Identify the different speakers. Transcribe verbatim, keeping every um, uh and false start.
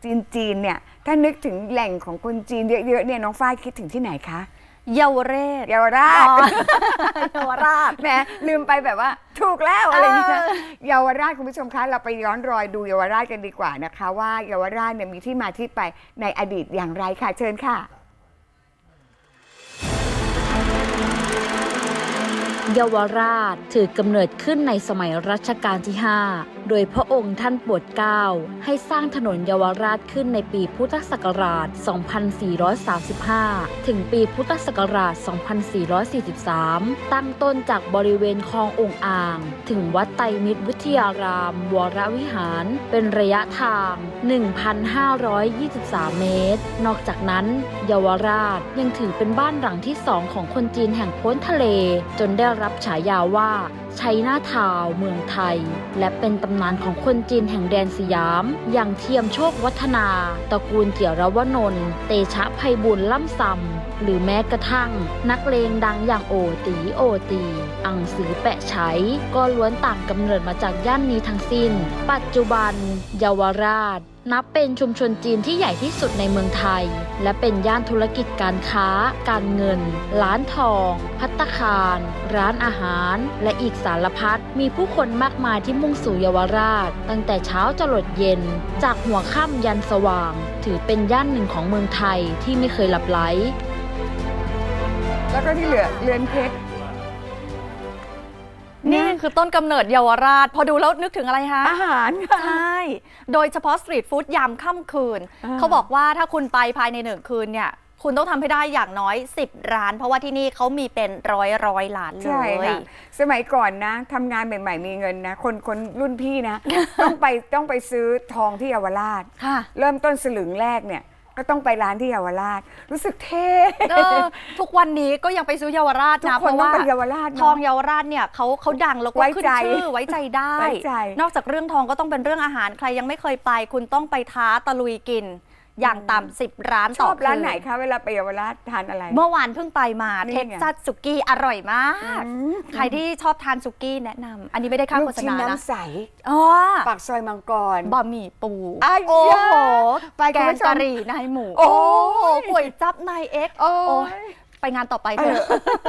Speaker 1: จีนจีนเนี่ยถ้านึกถึงแหล่งของคนจีนเยอะๆเนี่ยน้องฝ้ายคิดถึงที่ไหนคะ
Speaker 2: เยาวเรศ
Speaker 1: เยาวราช
Speaker 2: เยาวราช
Speaker 1: แหมลืมไปแบบว่าถูกแล้วอะไรอย่างเงี้ยเยาวราชคุณผู้ชมคะเราไปย้อนรอยดูเยาวราชกันดีกว่านะคะว่าเยาวราชเนี่ยมีที่มาที่ไปในอดีตอย่างไรค่ะเชิญค่ะ
Speaker 3: เยาวราชถือกำเนิดขึ้นในสมัยรัชกาลที่ ห้า โดยพระองค์ท่านโปรดเกล้าให้สร้างถนนเยาวราชขึ้นในปีพุทธศักราช สองพันสี่ร้อยสามสิบห้า ถึงปีพุทธศักราช สองพันสี่ร้อยสี่สิบสาม ตั้งต้นจากบริเวณคลององค์อ่าง ถึงวัดไตรมิตรวิทยาราม วรวิหาร เป็นระยะทาง หนึ่งพันห้าร้อยยี่สิบสาม เมตร นอกจากนั้นเยาวราชยังถือเป็นบ้านหลังที่สองของคนจีนแห่งพ้นทะเลจนได้รับฉายาว่าชัยนาทาวน์เมืองไทยและเป็นตำนานของคนจีนแห่งแดนสยามอย่างเทียมโชควัฒนาตระกูลเจียรวนนท์เตชะไพบูลย์ล่ำซำหรือแม้กระทั่งนักเลงดังอย่างโอตีโอตีอังสือแปะไฉก็ล้วนต่างกำเนิดมาจากย่านนี้ทั้งสิ้นปัจจุบันเยาวราชนับเป็นชุมชนจีนที่ใหญ่ที่สุดในเมืองไทยและเป็นย่านธุรกิจการค้าการเงินร้านทองภัตตาคารร้านอาหารและอีกสารพัดมีผู้คนมากมายที่มุ่งสู่เยาวราชตั้งแต่เช้าจรดเย็นจากหัวค่ำยันสว่างถือเป็นย่านหนึ่งของเมืองไทยที่ไม่เคยหลับไหล
Speaker 1: แล้วก็ที่เหลือเรือนเพชร
Speaker 2: นี่คือต้นกำเนิดเยาวราชพอดูแล้วนึกถึงอะไรคะ
Speaker 1: อาหาร
Speaker 2: ใช่โดยเฉพาะสตรีทฟู้ดยามค่ำคืนเขาบอกว่าถ้าคุณไปภายในหนึ่งคืนเนี่ยคุณต้องทำให้ได้อย่างน้อยสิบร้านเพราะว่าที่นี่เขามีเป็นร้อยร้อยร้านเลยใช่ค่ะ
Speaker 1: สมัยก่อนนะทำงานใหม่ๆมีเงินนะคนคนรุ่นพี่นะ ต้องไปต้องไปซื้อทองที่เยาวราชเริ่มต้นสลึงแรกเนี่ยก็ต้องไปร้านที่เยาวราชรู้สึกเท่
Speaker 2: ทุกวันนี้ก็ยังไปซื้อเยาวราชนะเพราะว่าทองเยาวราชเนี่ยเขาเขาดังแล้วก็ขึ้นชื่อไว้ใจได้นอกจากเรื่องทองก็ต้องเป็นเรื่องอาหารใครยังไม่เคยไปคุณต้องไปท้าตะลุยกินอย่างต่ำสิบร้านต่อคืนชอบ
Speaker 1: ร้านไหนคะเวลาไปเยาวราชทานอะไร
Speaker 2: เมื่อวานเพิ่งไปมาเท็กซัสสุกี้อร่อยมากใครที่ชอบทานสุกี้แนะนำอันนี้ไม่ได้ค่าโฆษณานะ
Speaker 1: ลูกชิ้นน้ำใสปากซอยมังกร
Speaker 2: บะหมี่ปู
Speaker 1: โอ้โห
Speaker 2: แกงกะหรี่นายหมูโอ้โหก๋วยจั๊บนายเอ็กโอ้ไปงานต่อไปเถอะ